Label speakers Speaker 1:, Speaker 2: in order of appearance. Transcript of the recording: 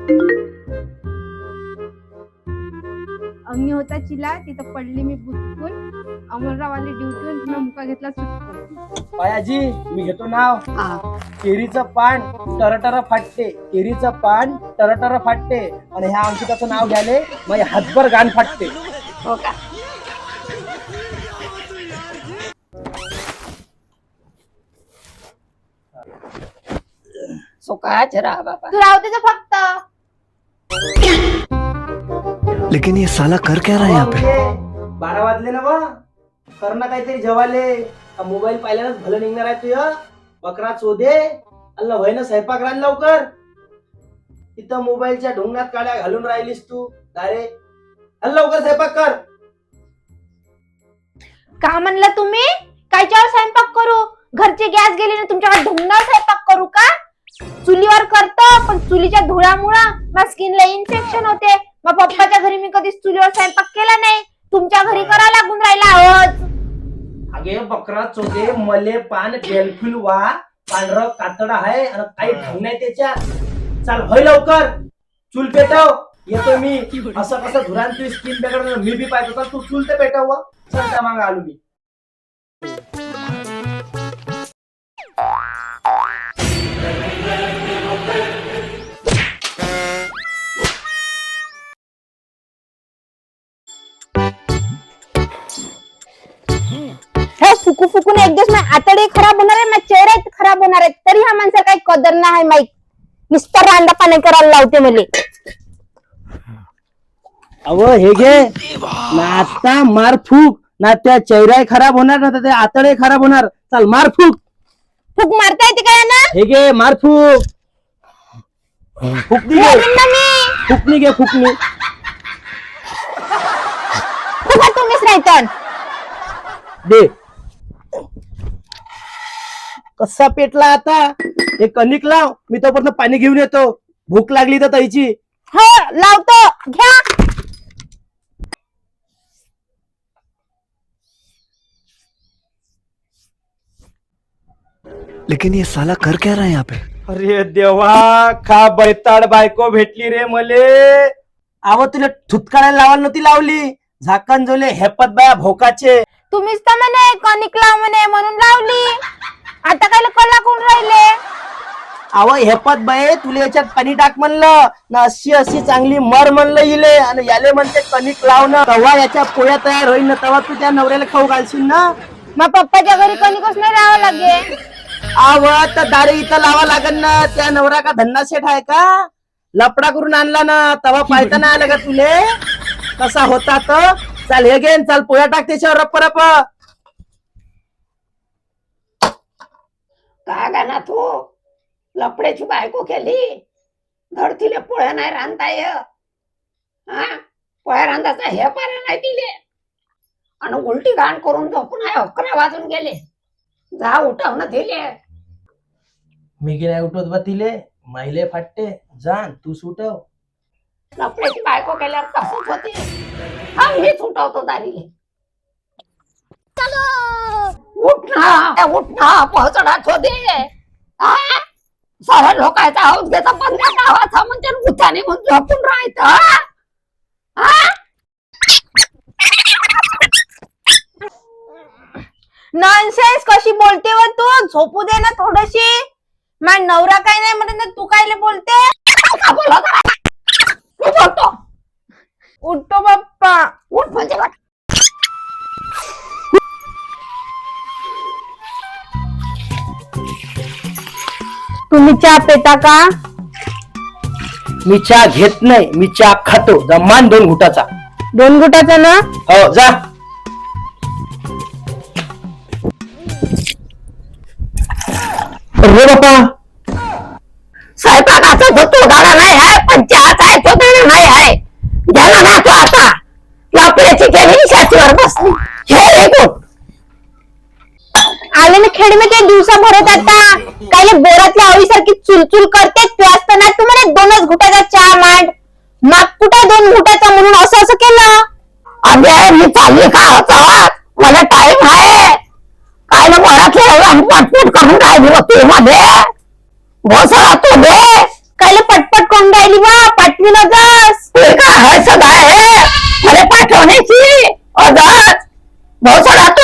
Speaker 1: अंगी होता चिला तिथं पडली मी पुचकून. अमरराववाली ड्युटीहून पुन्हा मुका घेतला सुटकून.
Speaker 2: पायाजी मी घेतो नाव. केरीचं पान टरटर फाटते, केरीचं पान टरटर फाटते. आणि ह्या अंकिताचं नाव घ्याले मग हातभर गाण फाटते.
Speaker 3: हो का? सुखाच राहा बाबा.
Speaker 1: तू राहू त्याचं फक्त.
Speaker 4: लेकिन ये साला कर क्या रहा है यहाँ पे?
Speaker 2: 12 वाजले ना बा. कर ना काहीतरी जेवाले. मोबाईल पाहिल्यानंच भलं निघणार आहे तुझं. बकरा चोदे अल्ला व्हाय ना स्वयंपाक रान लवकर. इथं मोबाईलच्या ढोंगणात काड्या घालून राहिलीस तू. अरे अल्ला लवकर स्वयंपाक कर.
Speaker 1: का म्हणलं तुम्ही? कायच्यावर स्वयंपाक करू? घरचे गॅस गेले ना तुमच्याकडे ढुंगणार स्वयंपाक करू का? चुलीवर करतो पण चुलीच्या धुळामुळं माझ्या स्किनला इन्फेक्शन होते. मग पप्पाच्या घरी मी कधीच चुलीवर स्वयंपाक केला नाही. तुमच्या घरी करा लागून राहिला आहोत.
Speaker 2: अगे बकरा चोदे मले पान बेलफुल वा पांढरं कातड आहे आणि काही ढंग नाही त्याच्यात. चाल होय लवकर. चूल पेटव. येतो मी. असं कसं धुरान तू स्किन बेकार मी बी पाहतो. तू चूल ते पेटव. चल त्या मागं आलो मी.
Speaker 1: हे फुकू फुकून एक दिवस माझे आतडे खराब होणार आहे, माझे चेहरे खराब होणार आहे. तरी हा माणसाला काही कदर नाही आहे. माईक नुसतं रांडा पाणी करायला लावते मले.
Speaker 2: अव हे घे ना आता मार फूक. ना त्या चेहरा खराब होणार ना त्या आतडे खराब होणार. चल मार फूक.
Speaker 1: फुक मारता येते काय ना?
Speaker 2: हे घे मार फूक. फुकनी घे. फुकनी घे फुकनी.
Speaker 1: फुका तुम्हीच नाही तर.
Speaker 2: दे. कसा पेटला आता. हे कणिक लाव. मी तोपर्यंत पाणी घेऊन येतो. भूक लागली तर ताईची.
Speaker 1: हो लावतो. घ्या.
Speaker 4: लेकिन ये साला कर क्या रहा है यहाँ पे?
Speaker 2: अरे देवा का बैताड बायको भेटली रे मले. आव तुला थुतकाळायला लावायला नव्हती लावली. झाकण जोले हेपत बाया भोकाचे.
Speaker 1: तुम्हीच तर म्हणे कणिक लाव म्हणे म्हणून लावली. आता काय कला कोण राहिले?
Speaker 2: आव हेपत बाये तुला याच्यात पाणी टाक म्हणलं ना. अशी अशी चांगली मर म्हणलं इले. आणि याले म्हणते कणिक लाव ना. तवा याच्या पोळ्या तयार होईल ना. तवा तू त्या नवऱ्याला खाऊ घालशील ना.
Speaker 1: मग पप्पाच्या घरी कणिकच नाही राहावं लागेल.
Speaker 2: आव तर दारे इथं लावा लागल ना. त्या नवरा का धन्ना सेठ आहे का? लपडा करून आणला ना. तवा पायता नाही आलं का तुले? कसा होता तर. चाल हे घेन. चाल पोळ्या टाक त्याच्यावर रप्प रप्प.
Speaker 3: का गाना तू लपड्याची बायको केली. धडतीले पोळ्या नाही रांधता ये. हा पोळ्या रांधायचा हे पारा नाही दिले. आणि उलटी घाण करून झोपून आहे 11 वाजून गेले. जा उठव ना दिले.
Speaker 2: मी की नाही उठवत बा तिले. माहिले फाटते. जाण तू सुटव.
Speaker 3: लपड्याची बायको केल्यावर तसंच होते. हा मीच उठवतो दारी. उठ ना पोहोचडा दे. साऱ्या लोकांचा हाऊस घेता पंधरा गावाचा म्हणजे गुथाने म्हणून झोपून राहायचं.
Speaker 1: नॉनसेन्स कशी बोलते व तू? झोपू दे ना थोडीशी. माझा नवरा काय नाही म्हणत ना तू काय बोलते?
Speaker 3: का बोलतो? तू बोलतो.
Speaker 1: उठतो बाप्पा.
Speaker 3: उठ म्हणजे काय?
Speaker 1: तुम्ही चहा पेता का?
Speaker 2: मी चहा घेत नाही. मी चहा खातो. जमान 2 घुटाचा.
Speaker 1: 2 गुटाचा ना?
Speaker 2: हो जा. अरे बापा
Speaker 3: स्वयंपाकाचा जो तोडाला नाही आहे पण चहाचा आहे तो देणं नाही आहे. ज्याला राहतो आता लपड्याची केली शाचीवर बसली. हे एक उठ.
Speaker 1: आले ना खेड में ते दिवसा भरत आता. काय बोरातल्या आवळीसारखी चुलचुल करते. तू असताना तू म्हणे 2च घुटाचा चहा मांड. माग कुठे 2 घुटाचा म्हणून असं केलं.
Speaker 3: अरे मी चालली का होता. मला टाइम आहे. काय ना बोरातले पटपट करून राहिली होती मध्ये. घोसळा तू दे.
Speaker 1: काय पटपट कोण राहिली बा पाठविनच
Speaker 3: ते का हसत आहे मला पाठवण्याची अगच भाऊ सोडा